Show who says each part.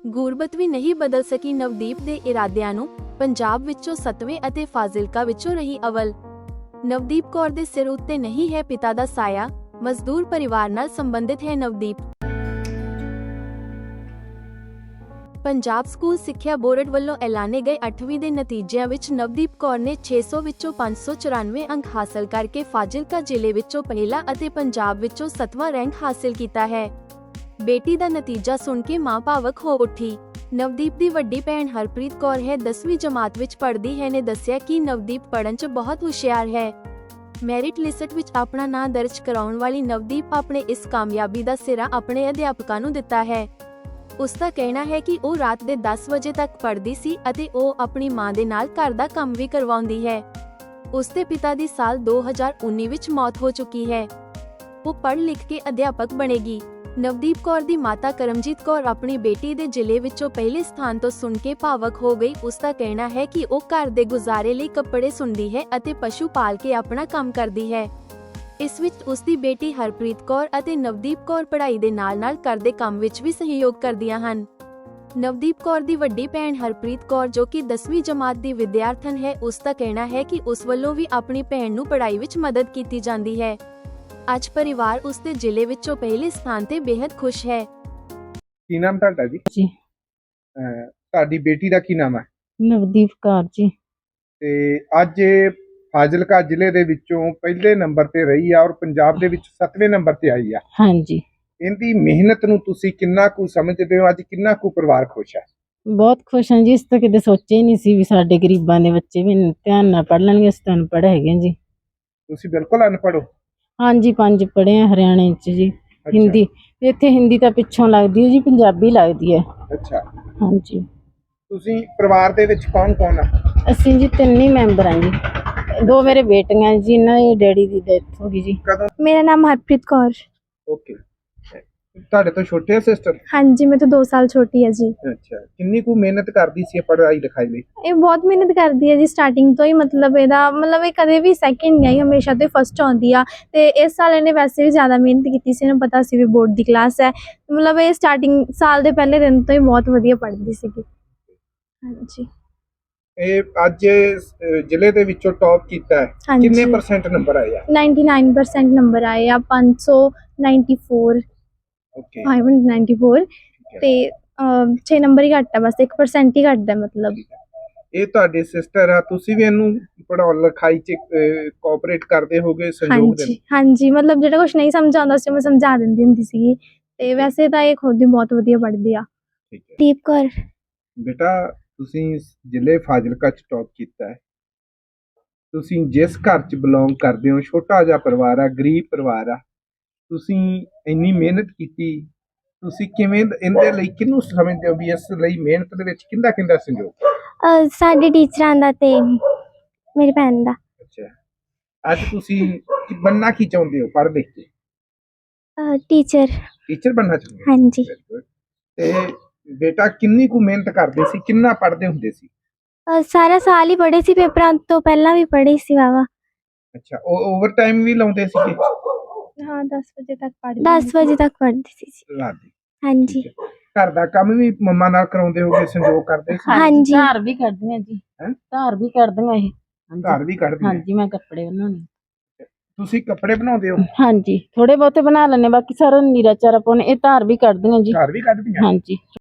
Speaker 1: ਗੁਰਬਤ ਵੀ ਨਹੀਂ ਬਦਲ ਸਕੀ ਨਵਦੀਪ ਦੇ ਇਰਾਦਿਆਂ ਨੂੰ। ਪੰਜਾਬ ਵਿੱਚੋਂ 7ਵੇਂ ਅਤੇ ਫਾਜ਼ਿਲਕਾ ਵਿੱਚੋਂ ਰਹੀ ਅਵਲ। ਨਵਦੀਪ ਕੌਰ ਦੇ ਸਿਰ ਉੱਤੇ ਨਹੀਂ ਹੈ ਪਿਤਾ ਦਾ ਸਾਇਆ, ਮਜ਼ਦੂਰ ਪਰਿਵਾਰ ਨਾਲ ਸੰਬੰਧਿਤ ਹੈ ਨਵਦੀਪ। ਪੰਜਾਬ ਸਕੂਲ ਸਿੱਖਿਆ ਬੋਰਡ ਵੱਲੋਂ ਐਲਾਨੇ ਗਏ 8ਵੀਂ ਦੇ ਨਤੀਜਿਆਂ ਵਿੱਚ ਨਵਦੀਪ ਕੌਰ ਨੇ 600 ਵਿੱਚੋਂ 594 ਅੰਕ ਹਾਸਲ ਕਰਕੇ ਫਾਜ਼ਿਲਕਾ ਜ਼ਿਲ੍ਹੇ ਵਿੱਚੋਂ ਪਹਿਲਾ ਅਤੇ ਪੰਜਾਬ ਵਿੱਚੋਂ 7ਵਾਂ ਰੈਂਕ ਹਾਸਲ ਕੀਤਾ ਹੈ। ਬੇਟੀ ਦਾ ਨਤੀਜਾ ਸੁਣ ਕੇ ਮਾਂ ਭਾਵਕ ਹੋ ਉੱਠੀ। ਨਵਦੀਪ ਦੀ ਵੱਡੀ ਭੈਣ ਹਰਪ੍ਰੀਤ ਕੌਰ ਹੈ 10ਵੀਂ ਜਮਾਤ ਵਿੱਚ ਪੜ੍ਹਦੀ ਹੈ ਨੇ ਦੱਸਿਆ ਕਿ ਨਵਦੀਪ ਪੜ੍ਹਨ 'ਚ ਬਹੁਤ ਹੁਸ਼ਿਆਰ ਹੈ। ਮੈਰਿਟ ਲਿਸਟ ਵਿੱਚ ਆਪਣਾ ਨਾਂ ਦਰਜ ਕਰਾਉਣ ਵਾਲੀ ਨਵਦੀਪ ਆਪਣੇ ਇਸ ਕਾਮਯਾਬੀ ਦਾ ਸਿਰਾ ਆਪਣੇ ਅਧਿਆਪਕਾਂ ਨੂੰ ਦਿੱਤਾ ਹੈ। ਉਸ ਦਾ ਕਹਿਣਾ ਹੈ ਕਿ ਉਹ ਰਾਤ ਦੇ 10 ਵਜੇ ਤੱਕ ਪੜ੍ਹਦੀ ਸੀ ਅਤੇ ਉਹ ਆਪਣੀ ਮਾਂ ਦੇ ਨਾਲ ਘਰ ਦਾ ਕੰਮ ਵੀ ਕਰਵਾਉਂਦੀ ਹੈ। ਉਸ ਦੇ ਪਿਤਾ ਦੀ ਸਾਲ 2019 ਵਿੱਚ ਮੌਤ ਹੋ ਚੁੱਕੀ ਹੈ। ਉਹ ਪੜ੍ਹ ਲਿਖ ਕੇ ਅਧਿਆਪਕ ਬਣੇਗੀ। ਨਵਦੀਪ ਕੌਰ ਦੀ ਮਾਤਾ ਕਰਮਜੀਤ ਕੌਰ ਆਪਣੀ ਬੇਟੀ ਦੇ ਜ਼ਿਲ੍ਹੇ ਵਿੱਚੋਂ ਪਹਿਲੇ ਸਥਾਨ ਤੋਂ ਸੁਣ ਕੇ ਭਾਵਕ ਹੋ ਗਈ। ਉਸ ਦਾ ਕਹਿਣਾ ਹੈ ਕਿ ਉਹ ਘਰ ਦੇ ਗੁਜ਼ਾਰੇ ਲਈ ਕੱਪੜੇ ਸੁਣਦੀ ਹੈ ਅਤੇ ਪਸ਼ੂ ਪਾਲ ਕੇ ਆਪਣਾ ਕੰਮ ਕਰਦੀ ਹੈ। ਇਸ ਵਿੱਚ ਉਸ ਦੀ ਬੇਟੀ ਹਰਪ੍ਰੀਤ ਕੌਰ ਅਤੇ ਨਵਦੀਪ ਕੌਰ ਪੜ੍ਹਾਈ ਦੇ ਨਾਲ-ਨਾਲ ਘਰ ਦੇ ਕੰਮ ਵਿੱਚ ਵੀ ਸਹਿਯੋਗ ਕਰਦੀਆਂ ਹਨ। ਨਵਦੀਪ ਕੌਰ ਦੀ ਵੱਡੀ ਭੈਣ ਹਰਪ੍ਰੀਤ ਕੌਰ ਜੋ ਕਿ 10ਵੀਂ ਜਮਾਤ ਦੀ ਵਿਦਿਆਰਥਣ ਹੈ, ਉਸ ਦਾ ਕਹਿਣਾ ਹੈ ਕਿ ਉਸ ਵੱਲੋਂ ਵੀ ਆਪਣੀ ਭੈਣ ਨੂੰ ਪੜ੍ਹਾਈ ਵਿੱਚ ਮਦਦ ਕੀਤੀ ਜਾਂਦੀ ਹੈ। ਅੱਜ ਪਰਿਵਾਰ ਉਸ ਦੇ ਜ਼ਿਲ੍ਹੇ ਵਿੱਚੋਂ ਪਹਿਲੇ ਸਥਾਨ ਤੇ ਬੇहद ਖੁਸ਼ ਹੈ।
Speaker 2: ਕੀ ਨਾਮ ਤੁਹਾਡਾ ਜੀ? ਤੁਹਾਡੀ ਬੇਟੀ ਦਾ ਕੀ ਨਾਮ ਹੈ?
Speaker 3: ਨਵਦੀਪ ਕੌਰ ਜੀ।
Speaker 2: ਤੇ ਅੱਜ ਫਾਜ਼ਿਲਕਾ ਜ਼ਿਲ੍ਹੇ ਦੇ ਵਿੱਚੋਂ ਪਹਿਲੇ ਨੰਬਰ ਤੇ ਰਹੀ ਆ ਔਰ ਪੰਜਾਬ ਦੇ ਵਿੱਚ 7ਵੇਂ ਨੰਬਰ ਤੇ ਆਈ ਆ।
Speaker 3: ਹਾਂਜੀ,
Speaker 2: ਇਹਦੀ ਮਿਹਨਤ ਨੂੰ ਤੁਸੀਂ ਕਿੰਨਾ ਕੁ ਸਮਝਦੇ ਹੋ? ਅੱਜ ਕਿੰਨਾ ਕੁ ਪਰਿਵਾਰ ਖੁਸ਼ ਹੈ?
Speaker 3: ਬਹੁਤ ਖੁਸ਼ ਹਾਂ ਜੀ। ਇਸ ਤਾਂ ਕਿਤੇ ਸੋਚਿਆ ਹੀ ਨਹੀਂ ਸੀ ਵੀ ਸਾਡੇ ਗਰੀਬਾਂ ਦੇ ਬੱਚੇ ਵੀ ਧਿਆਨ ਨਾਲ ਪੜ੍ਹ ਲੈਣਗੇ। ਅਸੀਂ ਤਾਂ ਅਨਪੜ੍ਹ ਹੈਗੇ ਜੀ।
Speaker 2: ਤੁਸੀਂ ਬਿਲਕੁਲ ਅਨਪੜ੍ਹ ਹੋ?
Speaker 3: ਹਾਂਜੀ, 5 ਪੜ੍ਹੇ ਆ ਹਰਿਆਣੇ 'ਚ ਜੀ। ਹਿੰਦੀ ਇੱਥੇ ਹਿੰਦੀ ਤਾਂ ਪਿੱਛੋਂ ਲੱਗਦੀ ਹੈ ਜੀ, ਪੰਜਾਬੀ ਲੱਗਦੀ ਹੈ।
Speaker 2: ਅੱਛਾ,
Speaker 3: ਹਾਂਜੀ।
Speaker 2: ਤੁਸੀਂ ਪਰਿਵਾਰ ਦੇ ਵਿੱਚ ਕੌਣ ਕੌਣ ਆ?
Speaker 3: ਅਸੀਂ ਜੀ 3 ਹੀ ਮੈਂਬਰ ਹਾਂ ਜੀ। 2 ਮੇਰੇ ਬੇਟੀਆਂ ਜੀ, ਇਹਨਾਂ ਦੇ ਡੈਡੀ ਦੀ ਡੈਥ ਹੋ ਗਈ ਜੀ।
Speaker 2: ਕਦੋਂ?
Speaker 4: मेरा नाम हरप्रीत कौर।
Speaker 2: ਓਕੇ। ਤੁਹਾਡੇ ਤੋਂ ਛੋਟੇ ਆ ਸਿਸਟਰ?
Speaker 4: हाँ जी, मैं तो 2 साल छोटी है जी।
Speaker 2: ਅੱਛਾ, ਕਿੰਨੀ ਕੁ ਮਿਹਨਤ ਕਰਦੀ ਸੀ ਪੜ੍ਹਾਈ ਲਿਖਾਈ ਲਈ?
Speaker 4: ਇਹ ਬਹੁਤ ਮਿਹਨਤ ਕਰਦੀ ਹੈ ਜੀ ਸਟਾਰਟਿੰਗ ਤੋਂ ਹੀ। ਮਤਲਬ ਇਹ ਕਦੇ ਵੀ ਸੈਕਿੰਡ ਨਹੀਂ ਆਈ, ਹਮੇਸ਼ਾ ਤੋਂ ਫਸਟ ਆਉਂਦੀ ਆ। ਤੇ ਇਸ ਸਾਲ ਇਹਨੇ ਵੈਸੇ ਵੀ ਜ਼ਿਆਦਾ ਮਿਹਨਤ ਕੀਤੀ ਸੀ। ਇਹਨੂੰ ਪਤਾ ਸੀ ਵੀ ਬੋਰਡ ਦੀ ਕਲਾਸ ਹੈ। ਮਤਲਬ ਇਹ ਸਟਾਰਟਿੰਗ ਸਾਲ ਦੇ ਪਹਿਲੇ ਦਿਨ ਤੋਂ ਹੀ ਬਹੁਤ ਵਧੀਆ ਪੜ੍ਹਦੀ ਸੀਗੀ। ਹਾਂਜੀ।
Speaker 2: ਇਹ ਅੱਜ ਜ਼ਿਲ੍ਹੇ ਦੇ ਵਿੱਚੋਂ ਟੌਪ ਕੀਤਾ ਹੈ।
Speaker 4: ਹਾਂਜੀ।
Speaker 2: ਕਿੰਨੇ % ਨੰਬਰ ਆਏ ਆ?
Speaker 4: 99% ਨੰਬਰ ਆਏ ਆ। 594
Speaker 2: ਓਕੇ।
Speaker 4: 594 ਤੇ 6 ਨੰਬਰ ਹੀ ਘੱਟ ਆ, ਬਸ 1% ਹੀ ਘੱਟ ਹੈ ਮਤਲਬ।
Speaker 2: ਇਹ ਤੁਹਾਡੀ ਸਿਸਟਰ ਆ, ਤੁਸੀਂ ਵੀ ਇਹਨੂੰ ਪੜ੍ਹਾਉਣ ਲਿਖਾਈ 'ਚ ਕੋਆਪਰੇਟ ਕਰਦੇ ਹੋਗੇ, ਸਹਿਯੋਗ ਦਿੰਦੇ?
Speaker 4: ਹਾਂਜੀ ਹਾਂਜੀ, ਮਤਲਬ ਜਿਹੜਾ ਕੁਝ ਨਹੀਂ ਸਮਝ ਆਉਂਦਾ ਸੀ ਮੈਂ ਸਮਝਾ ਦਿੰਦੀ ਹੁੰਦੀ ਸੀਗੀ। ਤੇ ਵੈਸੇ ਤਾਂ ਇਹ ਖੁਦ ਹੀ ਬਹੁਤ ਵਧੀਆ ਪੜ੍ਹਦੀ ਆ।
Speaker 2: ਠੀਕ ਹੈ
Speaker 4: ਦੀਪ ਕੌਰ।
Speaker 2: ਬੇਟਾ, ਤੁਸੀਂ ਜ਼ਿਲ੍ਹੇ ਫਾਜ਼ਿਲਕਾ 'ਚ ਟੌਪ ਕੀਤਾ ਹੈ। ਤੁਸੀਂ ਜਿਸ ਘਰ 'ਚ ਬਿਲੋਂਗ ਕਰਦੇ ਹੋ, ਛੋਟਾ ਜਿਹਾ ਪਰਿਵਾਰ ਆ, ਗਰੀਬ ਪਰਿਵਾਰ ਆ, ਤੁਸੀਂ ਇੰਨੀ ਮਿਹਨਤ ਕੀਤੀ, ਤੁਸੀਂ ਕਿਵੇਂ ਇਹਦੇ ਲਈ ਕਿਹਨੂੰ ਸਮਝਦੇ ਹੋ ਵੀ ਇਸ ਲਈ ਮਿਹਨਤ ਦੇ ਵਿੱਚ ਕਿਹਦਾ ਸਹਿਯੋਗ?
Speaker 4: ਸਾਡੇ ਟੀਚਰਾਂ ਦਾ ਤੇ ਮੇਰੀ ਭੈਣ ਦਾ।
Speaker 2: ਅੱਛਾ, ਅੱਜ ਤੁਸੀਂ ਬਣਨਾ ਕੀ ਚਾਹੁੰਦੇ ਹੋ ਪੜ੍ਹ ਲਿਖ ਕੇ?
Speaker 4: ਟੀਚਰ।
Speaker 2: ਟੀਚਰ ਬਣਨਾ ਚਾਹੁੰਦੇ ਹੋ?
Speaker 4: ਹਾਂਜੀ।
Speaker 2: Very good। ਤੇ ਬੇਟਾ ਕਿੰਨੀ ਕੁ ਮਿਹਨਤ ਕਰਦੇ ਸੀ, ਕਿੰਨਾ ਪੜ੍ਹਦੇ ਹੁੰਦੇ ਸੀ?
Speaker 4: ਸਾਰਾ ਸਾਲ ਹੀ ਪੜ੍ਹੇ ਸੀ, ਪੇਪਰਾਂ ਤੋਂ ਪਹਿਲਾਂ ਵੀ ਪੜ੍ਹੇ ਸੀ ਵਾਵਾ।
Speaker 2: ਅੱਛਾ, ਉਹ ਓਵਰ ਟਾਈਮ ਵੀ ਲਾਉਂਦੇ ਸੀਗੇ?
Speaker 4: ਹਾਂ, 10 ਵਜੇ ਤੱਕ ਪੜ੍ਹਦੀ। 10 ਵਜੇ ਤੱਕ ਪੜ੍ਹਦੀ ਸੀ।
Speaker 2: ਰਾਤ ਦੀ?
Speaker 4: ਹਾਂਜੀ।
Speaker 2: ਘਰ ਦਾ ਕੰਮ ਵੀ ਮੰਮਾ ਨਾਲ ਕਰਾਉਂਦੇ ਹੋਗੇ, ਸੰਯੋਗ ਕਰਦੇ ਸੀ?
Speaker 4: ਹਾਂਜੀ।
Speaker 3: ਧਾਰ ਵੀ ਕੱਢਦੀਆਂ ਜੀ। ਧਾਰ ਵੀ ਕੱਢਦੀਆਂ ਇਹ।
Speaker 2: ਘਰ ਵੀ ਕੱਢਦੀਆਂ?
Speaker 3: ਹਾਂਜੀ, ਮੈਂ ਕੱਪੜੇ ਬਣਾਉਣੇ।
Speaker 2: ਤੁਸੀਂ ਕੱਪੜੇ ਬਣਾਉਂਦੇ ਹੋ?
Speaker 3: ਹਾਂਜੀ, ਥੋੜੇ ਬਹੁਤੇ ਬਣਾ ਲੈਣੇ, ਬਾਕੀ ਸਾਰਾ ਨੀਰਾ ਚਾਰਾ ਪਾਉਣੇ। ਇਹ ਧਾਰ ਵੀ ਕੱਢਦੀਆਂ ਜੀ।
Speaker 2: ਘਰ ਵੀ ਕੱਢਦੀਆਂ?
Speaker 3: ਹਾਂਜੀ।